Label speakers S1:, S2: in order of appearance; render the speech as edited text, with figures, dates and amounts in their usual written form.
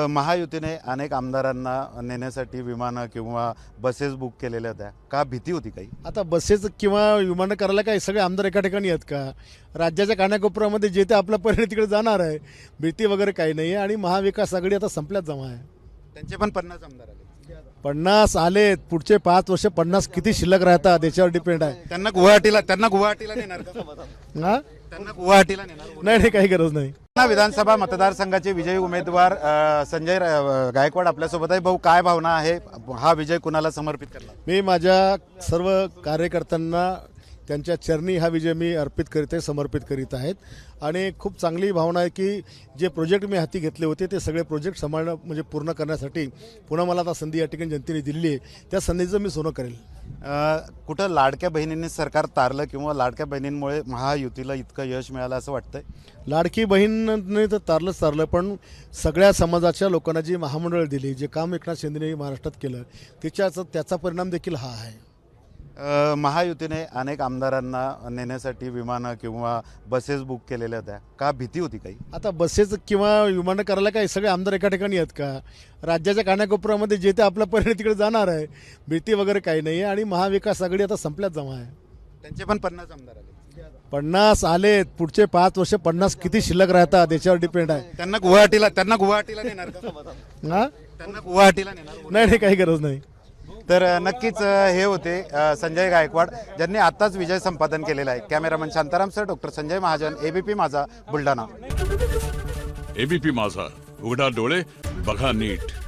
S1: महायुतीने अनेक आमदारांना नेण्यासाठी विमानं किंवा बसेस बुक केलेल्या होत्या. का भीती होती काही?
S2: आता बसेस किंवा विमानं करायला काय सगळे आमदार एका ठिकाणी आहेत का? राज्याच्या कानाकोपऱ्यामध्ये जे ते आपला पर्यटन तिकडे जाणार आहे. भीती वगैरे काही नाही आहे. आणि महाविकास आघाडी आता संपल्यात जमा आहे.
S1: त्यांचे पण 50 आमदार आले.
S2: 50 आलेत. पुढचे 5 वर्ष 50 किती शिल्लक राहतात याच्यावर डिपेंड आहे.
S1: त्यांना गुवाहाटीला नेणार का?
S2: हा
S1: त्यांना गुवाहाटीला नेणार?
S2: नाही काही गरज नाही.
S1: विधानसभा मतदारसंघाचे विजयी उमेदवार संजय गायकवाड आपल्यासोबत आहे. भाऊ, काय भावना आहे? हा विजय कुणाला समर्पित करणार?
S2: मी माझ्या सर्व कार्यकर्त्यांना त्यांच्या चरणी हा विजय मी अर्पित करीत आहे, समर्पित करीत आहेत. आणि खूप चांगली भावना आहे की जे प्रोजेक्ट मी हाती घेतले होते ते सगळे प्रोजेक्ट सांभाळणं म्हणजे पूर्ण करण्यासाठी पुन्हा मला आता संधी या ठिकाणी जनतेने दिलेली आहे. त्या संधीचं मी सोनं करेल.
S1: कुठं लाडक्या बहिणींनी सरकार तारलं किंवा लाडक्या बहिणींमुळे महायुतीला इतकं यश मिळालं असं वाटतंय?
S2: लाडकी बहीणने तर तारलं पण सगळ्या समाजाच्या लोकांना जी महामंडळ दिली, जे काम एकनाथ शिंदेने महाराष्ट्रात केलं त्याचा परिणाम देखील हा आहे.
S1: महायुतीने अनेक आमदारांना नेण्यासाठी विमानं किंवा बसेस बुक केलेल्या होत्या. का भीती होती काही?
S2: आता बसेस किंवा विमानं करायला काय सगळे आमदार एका ठिकाणी आहेत का? राज्याच्या कानाकोपऱ्यामध्ये जे ते आपला पर्यटन तिकडे जाणार आहे. भीती वगैरे काही नाही आहे. आणि महाविकास आघाडी आता संपल्यात जमा आहे.
S1: त्यांचे पण 50 आमदार आले.
S2: 50 आलेत. पुढचे 5 वर्ष 50 किती शिल्लक राहतात याच्यावर डिपेंड आहे.
S1: त्यांना गुवाहाटीला नेणार का?
S2: हा
S1: त्यांना गुवाहाटीला नेणार?
S2: नाही काही गरज नाही.
S1: तर नक्कीच हे होते संजय गायकवाड, ज्यांनी आताच विजय संपादन केलेला आहे. Cameraman Shantaram sir, doctor Sanjay Mahajan, ABP Majha, Buldhana.
S3: ABP माझा, उघडा डोळे बघा नीट.